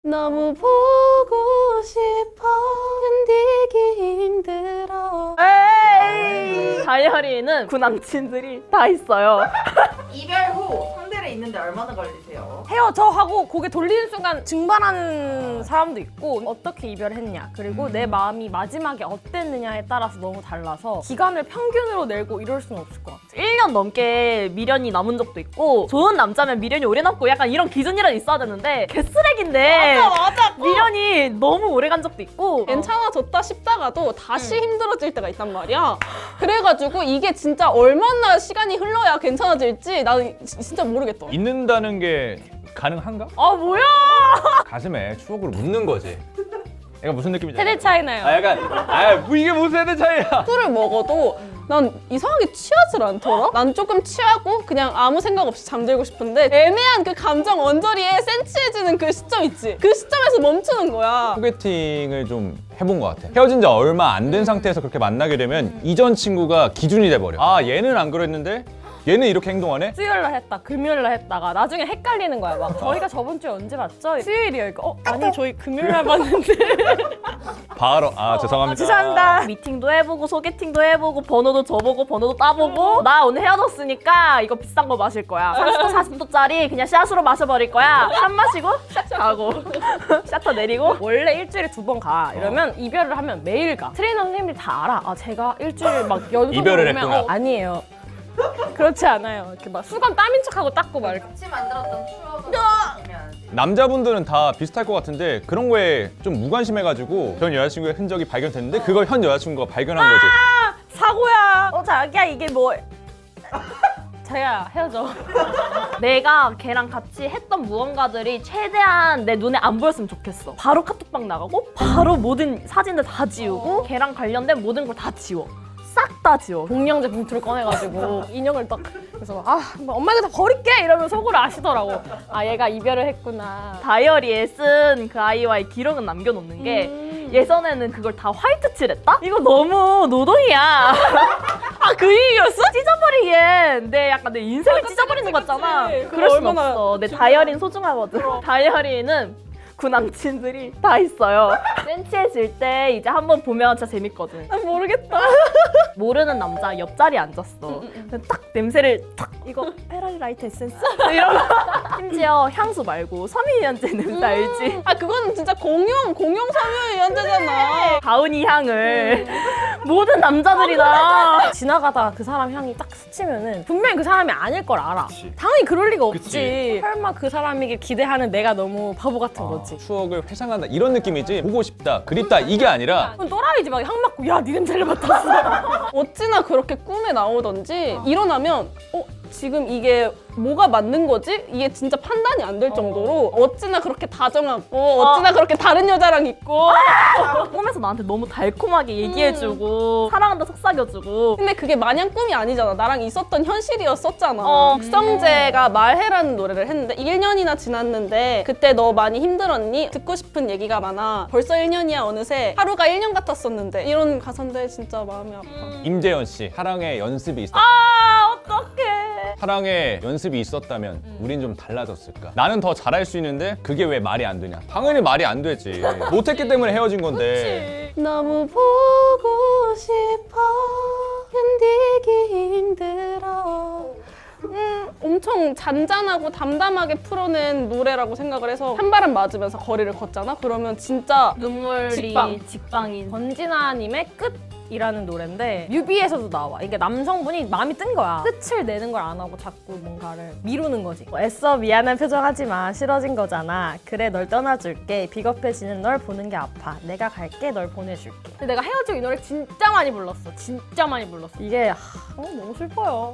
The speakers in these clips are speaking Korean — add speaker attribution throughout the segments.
Speaker 1: 너무 보고 싶어 견디기 힘들어.
Speaker 2: 에이! 다이어리에는 구남친들이 다 있어요.
Speaker 3: 이별 후 상대를 잊는데 얼마나 걸리세요?
Speaker 1: 헤어져 하고 고개 돌리는 순간 증발하는 사람도 있고, 어떻게 이별했냐, 그리고 내 마음이 마지막에 어땠느냐에 따라서 너무 달라서 기간을 평균으로 내고 이럴 수는 없을 것 같아.
Speaker 2: 1년 넘게 미련이 남은 적도 있고, 좋은 남자면 미련이 오래 남고 약간 이런 기준이라도 있어야 되는데 개쓰레기인데
Speaker 1: 맞아.
Speaker 2: 미련이 너무 오래 간 적도 있고.
Speaker 1: 괜찮아졌다 싶다가도 다시 힘들어질 때가 있단 말이야. 그래가지고 이게 진짜 얼마나 시간이 흘러야 괜찮아질지 나는 진짜 모르겠다.
Speaker 4: 잊는다는 게 가능한가?
Speaker 2: 아 뭐야?
Speaker 4: 가슴에 추억을 묻는 거지. 얘가 무슨 느낌인지
Speaker 1: 세대
Speaker 4: 알아?
Speaker 1: 차이나요.
Speaker 4: 아 약간 뭐 이게 무슨 세대 차이야?
Speaker 1: 술을 먹어도 난 이상하게 취하질 않더라? 난 조금 취하고 그냥 아무 생각 없이 잠들고 싶은데 애매한 그 감정 언저리에 센치해지는 그 시점 있지? 그 시점에서 멈추는 거야.
Speaker 4: 소개팅을 좀 해본 것 같아. 헤어진 지 얼마 안 된 상태에서 그렇게 만나게 되면 이전 친구가 기준이 돼버려. 아 얘는 안 그랬는데 얘는 이렇게 행동하네?
Speaker 1: 수요일날 했다, 금요일날 했다가 나중에 헷갈리는 거야. 막 저희가 저번 주에 언제 봤죠? 수요일이요. 이거 아니 저희 금요일날 봤는데.
Speaker 4: 바로 죄송합니다.
Speaker 1: 죄송합니다.
Speaker 2: 미팅도 해보고 소개팅도 해보고 번호도 줘보고 번호도 따보고, 나 오늘 헤어졌으니까 이거 비싼 거 마실 거야. 30도 40도짜리 그냥 샷으로 마셔버릴 거야. 샷 마시고 샷 가고 샷터 내리고.
Speaker 1: 원래 일주일에 2번 가. 이러면 이별을 하면 매일 가. 트레이너 선생님들이 다 알아. 아 제가 일주일 막 연속으로
Speaker 4: 이별을
Speaker 1: 오면
Speaker 4: 했구나.
Speaker 1: 아니에요. 그렇지 않아요. 이렇게 막 수건 땀인 척하고 닦고 막 이렇게.
Speaker 3: 같이 만들었던 추억은 중요하지.
Speaker 4: 남자분들은 다 비슷할 것 같은데 그런 거에 좀 무관심해가지고 전 여자친구의 흔적이 발견됐는데 그걸 현 여자친구가 발견한 거지.
Speaker 1: 사고야. 자기야 이게 뭐. 자기야 헤어져.
Speaker 2: 내가 걔랑 같이 했던 무언가들이 최대한 내 눈에 안 보였으면 좋겠어. 바로 카톡방 나가고 바로 모든 사진들 다 지우고 걔랑 관련된 모든 걸 다 지워. 싹 다 지워.
Speaker 1: 공룡제 봉투를 꺼내가지고 인형을 딱 그래서 뭐 엄마가 다 버릴게 이러면 속으로 아시더라고. 아 얘가 이별을 했구나.
Speaker 2: 다이어리에 쓴 그 아이와의 기록은 남겨놓는 게 예전에는 그걸 다 화이트 칠했다? 이거 너무 노동이야. 아 그 얘기였어? 찢어버리기엔 내 인생을 찢어버리는 것 같잖아.
Speaker 1: 그치.
Speaker 2: 그럴 순
Speaker 1: 얼마나
Speaker 2: 없어. 내 다이어리는 소중하거든. 다이어리에는 구남친들이 다 있어요. 센치해질 때 이제 한번 보면 진짜 재밌거든.
Speaker 1: 난 모르겠다.
Speaker 2: 모르는 남자 옆자리에 앉았어. 근데 딱 냄새를 탁 이거 페라리 라이트 에센스? 이런 거. 심지어 향수 말고 섬유유연제 냄새 알지?
Speaker 1: 아 그거는 진짜 공용 섬유유연제잖아.
Speaker 2: 가은이 향을 모든 남자들이 다.
Speaker 1: 지나가다가 그 사람 향이 딱 스치면은 분명히 그 사람이 아닐 걸 알아. 당연히 그럴 리가 없지.
Speaker 4: 그치.
Speaker 1: 설마 그 사람이길 기대하는 내가 너무 바보 같은 거지.
Speaker 4: 추억을 회상한다 이런 느낌이지 보고 싶다 그립다 이게 아니라
Speaker 1: 그건 또라이지. 막 향 맡고 야 네 냄새를 맡았어. 어찌나 그렇게 꿈에 나오던지 일어나면 지금 이게 뭐가 맞는 거지? 이게 진짜 판단이 안 될 정도로 어찌나 그렇게 다정하고 어찌나 그렇게 다른 여자랑 있고.
Speaker 2: 꿈에서 나한테 너무 달콤하게 얘기해주고 사랑한다 속삭여주고.
Speaker 1: 근데 그게 마냥 꿈이 아니잖아. 나랑 있었던 현실이었었잖아. 박성재가 말해라는 노래를 했는데 1년이나 지났는데 그때 너 많이 힘들었니? 듣고 싶은 얘기가 많아. 벌써 1년이야 어느새. 하루가 1년 같았었는데. 이런 가사인데 진짜 마음이 아파.
Speaker 4: 임재현 씨 사랑의 연습이 있었다.
Speaker 2: 아 어떡해.
Speaker 4: 사랑에 연습이 있었다면 우린 좀 달라졌을까? 나는 더 잘할 수 있는데 그게 왜 말이 안 되냐? 당연히 말이 안 되지. 못했기 때문에 헤어진 건데.
Speaker 1: 너무 보고 싶어 견디기 힘들어. 엄청 잔잔하고 담담하게 풀어낸 노래라고 생각을 해서 한바람 맞으면서 거리를 걷잖아? 그러면 진짜
Speaker 2: 눈물이 직방인.
Speaker 1: 권진아님의 끝이라는 노래인데 뮤비에서도 나와. 이게 남성분이 마음이 뜬 거야. 끝을 내는 걸 안 하고 자꾸 뭔가를 미루는 거지. 애써 미안한 표정하지 마. 싫어진 거잖아. 그래 널 떠나줄게. 비겁해지는 널 보는 게 아파. 내가 갈게. 널 보내줄게. 근데 내가 헤어지고 이 노래 진짜 많이 불렀어. 진짜 많이 불렀어. 이게 너무 슬퍼요.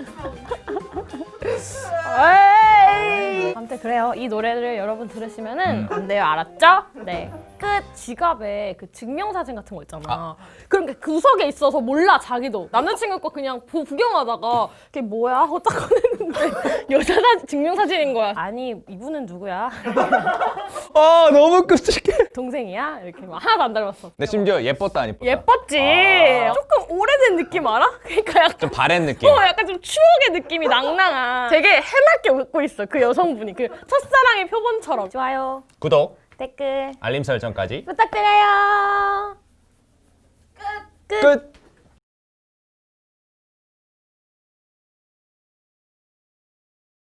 Speaker 1: 에이. 아무튼 그래요. 이 노래를 여러분 들으시면은 안 돼요. 알았죠? 네. 끝. 지갑에 그 증명사진 같은 거 있잖아. 그런 게 구석에 있어서 몰라 자기도. 남자친구 거 그냥 구경하다가 그게 뭐야 하고 딱 꺼냈는데 여자 증명사진인 거야. 아니 이분은 누구야?
Speaker 4: 아 너무 끔찍해.
Speaker 1: 동생이야? 이렇게 막 하나도 안 닮았어.
Speaker 4: 근데 심지어 예뻤다 안 예뻤다?
Speaker 1: 예뻤지. 조금 오래된 느낌 알아? 그러니까 약간
Speaker 4: 좀 바랜 느낌.
Speaker 1: 약간 좀 추억의 느낌이 낭낭한. 되게 해맑게 웃고 있어 그 여성분이. 그 첫사랑의 표본처럼. 좋아요.
Speaker 4: 구독.
Speaker 1: 댓글
Speaker 4: 알림 설정까지
Speaker 1: 부탁드려요. 끝.
Speaker 4: 끝!